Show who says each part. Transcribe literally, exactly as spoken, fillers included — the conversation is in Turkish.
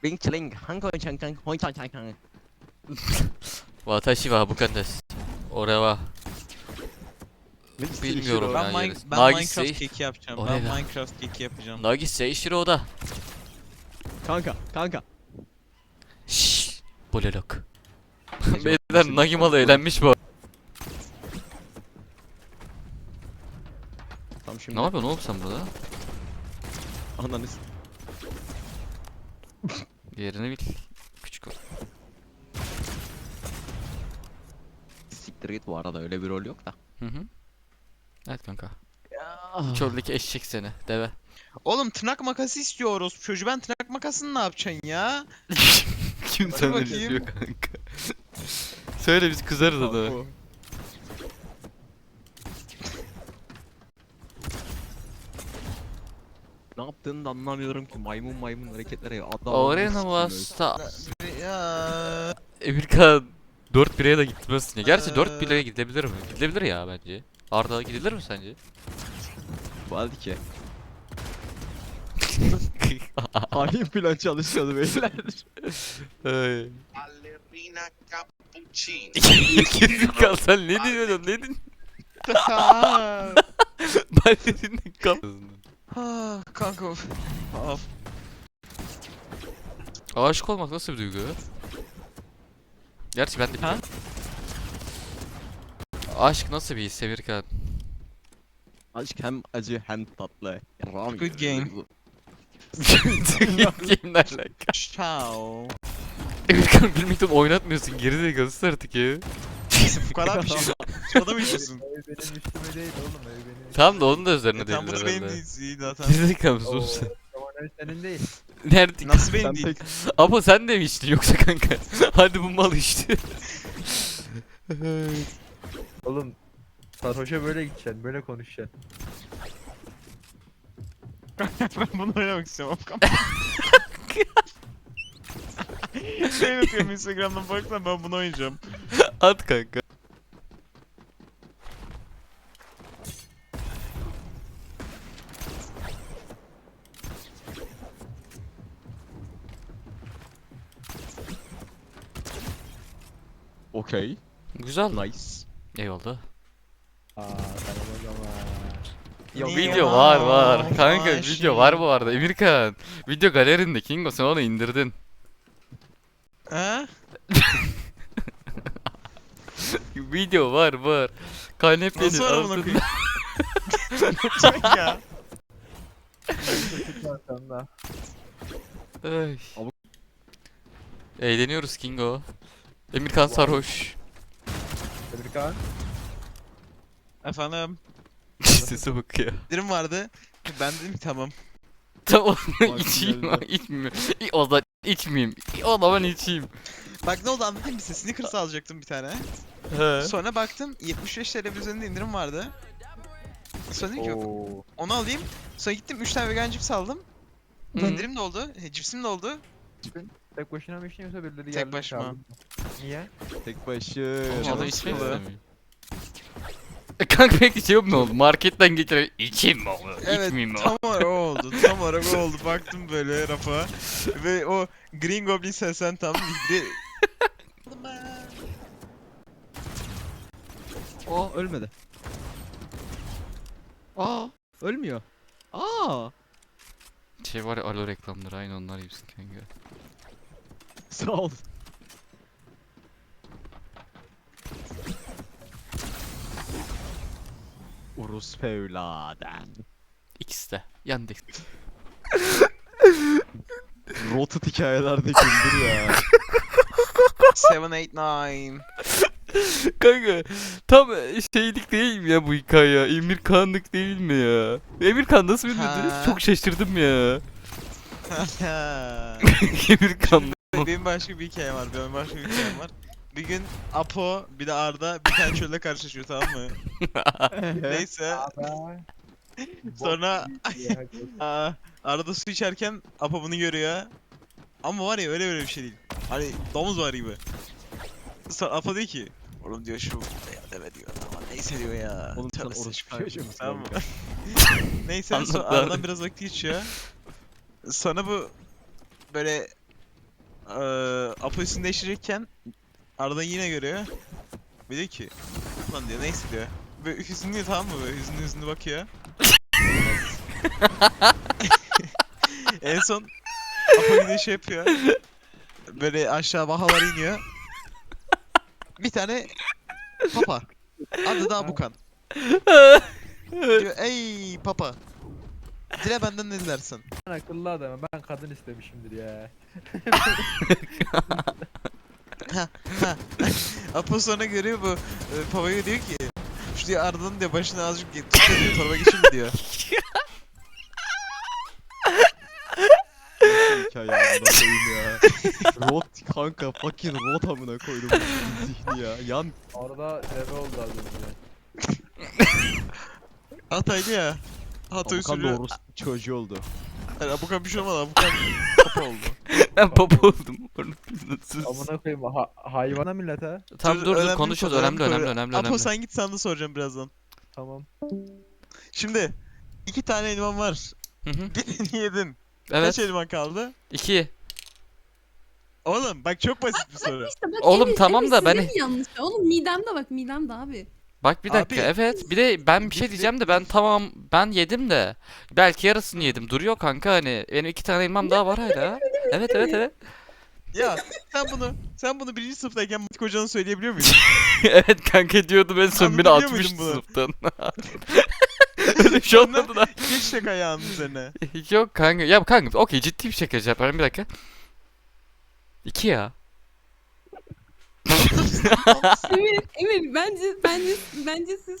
Speaker 1: リンチリンハンコイチャンカンホイチャンチャンカン
Speaker 2: 私は部下です。俺は bilmiyorum
Speaker 3: Ben,
Speaker 2: ya
Speaker 3: Min-
Speaker 2: yarısı.
Speaker 3: ben
Speaker 2: Nagise,
Speaker 3: Minecraft keki yapacağım.
Speaker 2: O
Speaker 3: Ben
Speaker 2: ne lan?
Speaker 3: Minecraft keki yapacağım.
Speaker 2: Nagise Ishiro'da.
Speaker 1: カンカカンカ
Speaker 2: Şşş. Bolelok. Beyler Nagimalı eğlenmiş bu.
Speaker 1: Tam şimdi
Speaker 2: Ne yapıyorsun oğlum sen burada?
Speaker 1: ananı s-
Speaker 2: Yerini bil. Küçük ol.
Speaker 1: siktir git, bu arada öyle bir rol yok da.
Speaker 2: Hı hı. Evet kanka.
Speaker 1: Ya.
Speaker 2: Çöldeki eşek seni. Deve.
Speaker 3: Oğlum tırnak makası istiyoruz. Çocuğu ben tırnak makasını ne yapacaksın ya?
Speaker 2: Kim
Speaker 3: Hadi
Speaker 2: sana
Speaker 3: bakayım.
Speaker 2: diyor kanka? Söyle biz kızarız adamı.
Speaker 1: Ne yaptığını da anlamıyorum ki, maymun maymun hareketlere adam.
Speaker 2: Arena Vasta.
Speaker 3: Ya.
Speaker 2: Emirkan dört bireye de gitmezsin ya. Gerçi dört bireye gidebilir mi? Gidebilir ya bence. Arda gidilir mi sence?
Speaker 1: Hadi ki. Hain plan çalışıyordu beyler.
Speaker 2: Ay.
Speaker 4: Ballerina cappuccino.
Speaker 2: Emirkan sen ne diyorsun? Ne diyorsun? Ben dedim kal.
Speaker 3: Ah, kanka of. Of.
Speaker 2: Aşık olmak nasıl bir duygu? Gerçi ben de
Speaker 3: Ha?
Speaker 2: biliyorum. Aşk nasıl bir his Emirkan?
Speaker 1: Aşk hem acı hem tatlı. Ram
Speaker 3: Good game.
Speaker 2: Game'le alaka.
Speaker 3: Ciao.
Speaker 2: Emirkan bilmekten oynatmıyorsun, gerizekalısı artık ya.
Speaker 3: Bu kadar bir şey. Şurada mı içiyorsun?
Speaker 5: Ev benim üstüme değil oğlum, ev benim.
Speaker 2: Tamam da onun da üzerine
Speaker 3: E,
Speaker 2: değil
Speaker 3: tam bu da benim
Speaker 2: herhalde.
Speaker 3: değil iyi zaten.
Speaker 2: Gerizekalı
Speaker 5: Oo,
Speaker 2: mısın sen?
Speaker 5: Tamam, ev senin değil.
Speaker 2: Nerede?
Speaker 3: Nasıl benim
Speaker 1: Sen
Speaker 3: değil?
Speaker 1: pek
Speaker 2: Ama sen de mi içtin yoksa kanka? Hadi bu mal içti.
Speaker 5: Oğlum sarhoşa böyle gideceksin, böyle konuşacaksın.
Speaker 3: Ben bunu oynamak istiyorum. Şey yapıyorum Instagram'dan baksan ben bunu oynayacağım.
Speaker 2: At kanka.
Speaker 1: okey.
Speaker 2: Güzel.
Speaker 1: Nice.
Speaker 2: Eyvallah.
Speaker 5: Aa tamam o zaman.
Speaker 2: Ya
Speaker 3: Niye
Speaker 2: video
Speaker 3: ya?
Speaker 2: var var. Kanka
Speaker 3: Ay,
Speaker 2: video
Speaker 3: şey.
Speaker 2: var bu arada. Emirkan. Video galerinde Kingo sen onu indirdin.
Speaker 3: Ha?
Speaker 2: Video var var. Kanepenin
Speaker 3: Nasıl var amına
Speaker 2: altında.
Speaker 3: koyayım? ya.
Speaker 5: Çocuk var sende.
Speaker 2: Ay.
Speaker 1: Ama-
Speaker 2: Eğleniyoruz Kingo. Emirkan sarhoş.
Speaker 5: Emirkan.
Speaker 3: Efendim,
Speaker 2: Sesi bakıyor.
Speaker 3: indirim vardı. Ben dedim ki tamam.
Speaker 2: Tamam
Speaker 1: Bak
Speaker 2: içeyim
Speaker 1: geldi.
Speaker 2: içmeyeyim. İ- O zaman içmeyeyim. İ- O zaman içeyim.
Speaker 3: Bak ne oldu anlatayım mı size? Snickers alacaktım bir tane.
Speaker 2: He.
Speaker 3: Sonra baktım yetmiş beş T L üzerinde indirim vardı. Sonra dedim ki
Speaker 5: Oo.
Speaker 3: onu alayım. Sonra gittim üç tane vegan cips aldım.
Speaker 2: Hı.
Speaker 3: İndirim de oldu. e, Cipsim de oldu.
Speaker 5: Tek başına mı içtin yoksa birileri
Speaker 3: Tek
Speaker 5: geldi mi
Speaker 3: başıma.
Speaker 5: çağırdı mı? Niye?
Speaker 1: Tek başı.
Speaker 2: Oğlum
Speaker 3: Canım
Speaker 2: adam içmek
Speaker 3: sıkıldı.
Speaker 2: istemiyor. E kanka peki şey mi oldu? Marketten getirip içeyim mi oldu?
Speaker 3: Evet
Speaker 2: İçmeyeyim mi
Speaker 3: tam olarak o oldu. Tam olarak o oldu. Baktım böyle rafa. Ve o Green Goblin sesen tam bir
Speaker 1: Aa, ölmedi. Aa, ölmüyor. Aa.
Speaker 2: Şey var ya alo reklamları aynı onlar gibisin kanka.
Speaker 1: Sağ ol. Urus evladen.
Speaker 2: İkisi de. Yandık.
Speaker 1: Rotat hikayelerde güldür ya.
Speaker 3: seven eight nine.
Speaker 2: Kanka tam şeylik değil mi ya bu hikaye? Emirkanlık değil mi ya? Emirkan nasıl bilmedi?
Speaker 3: Ha.
Speaker 2: Çok şaşırdım ya. Emirkan.
Speaker 3: Benim başka bir hikayem var. Benim başka bir hikayem var. Bir gün Apo bir de Arda bir tane çölde karşılaşıyor tamam mı? Neyse
Speaker 5: Abi.
Speaker 3: sonra
Speaker 5: Ya,
Speaker 3: aa, Arda su içerken Apo bunu görüyor. Ama var ya öyle böyle bir şey değil. Hani domuz var gibi. Sonra Apo diyor ki oğlum diyor şu ya deme diyor ama neyse diyor ya.
Speaker 1: Oğlum sen
Speaker 3: Tövbe
Speaker 1: orospu
Speaker 3: saçma.
Speaker 1: çocuğu musun
Speaker 3: Tamam mı?
Speaker 1: kanka?
Speaker 3: Neyse
Speaker 2: Anlat
Speaker 3: sonra
Speaker 2: lan.
Speaker 3: aradan biraz vakit geçiyor. Sonra bu böyle Eee Apo üstünü değiştirecekken Arda yine görüyor. Bir diyor ki lan diyor neyse diyor. Böyle hüzünlü tamam mı böyle hüzünlü hüzünlü bakıyor. En son Apo gidiyor şey yapıyor. Böyle aşağı bahalar iniyor. Bir tane papa. Adı da Abukan. Diyor ey papa. Dile benden ne dilersin?
Speaker 5: Ben akıllı adamım. Ben kadın istemişimdir ya.
Speaker 3: Ha ha. Apo sonra görüyor bu e, papaya diyor ki şu diyor Arda'nın diyor başına azıcık tut da diyor torba geçirme diyor.
Speaker 1: Nasıl hikaye amına koyayım ya. Rot kanka fucking rot amına koydum bu zihni ya. Yan
Speaker 5: Orada deve oldu az önce.
Speaker 3: Hataylı ya. Hatay
Speaker 1: Abukan
Speaker 3: usulü.
Speaker 1: doğrusu çocuğu oldu.
Speaker 3: Yani Abukan bir şey olmadı Abukan papa oldu.
Speaker 2: Ben papa oldum. Sus.
Speaker 5: Amına koyayım ha hayvana millete.
Speaker 2: Tamam dur dur
Speaker 3: önemli bir
Speaker 2: konuşuyoruz.
Speaker 3: konu,
Speaker 2: Önemli önemli
Speaker 3: konu.
Speaker 2: önemli
Speaker 3: Apo
Speaker 2: önemli.
Speaker 3: sen git sana da soracağım birazdan.
Speaker 5: Tamam.
Speaker 3: Şimdi iki tane elman var.
Speaker 2: Hı hı.
Speaker 3: Birini yedin.
Speaker 2: Evet.
Speaker 3: Kaç elman kaldı?
Speaker 2: iki.
Speaker 3: Oğlum bak çok basit bir soru.
Speaker 6: İşte bak,
Speaker 2: Oğlum
Speaker 6: Emir,
Speaker 2: tamam
Speaker 6: Emir
Speaker 2: da
Speaker 6: sizin
Speaker 2: ben-
Speaker 6: mi yanlış? Oğlum midemde bak midemde abi.
Speaker 2: Bak bir dakika
Speaker 3: Abi-
Speaker 2: evet. Bir de ben bir şey diyeceğim de ben tamam ben yedim de. Belki yarısını yedim. Duruyor kanka hani. Benim iki tane elmam daha var hala. Evet evet evet.
Speaker 3: Ya sen bunu sen bunu birinci sınıftayken Matik hocanın söyleyebiliyor muydun?
Speaker 2: Evet kanka diyordum en son beni
Speaker 3: Anlatabiliyor
Speaker 2: atmıştı
Speaker 3: muydun bunu?
Speaker 2: sınıftan. Öyle bir şey
Speaker 3: Sonra-
Speaker 2: olmadı da.
Speaker 3: Geç tek ayağının üzerine.
Speaker 2: Yok kanka. Ya kanka okey ciddi bir şaka yapıyorum bir dakika. İki ya.
Speaker 6: Emir, Emir bence bence bence siz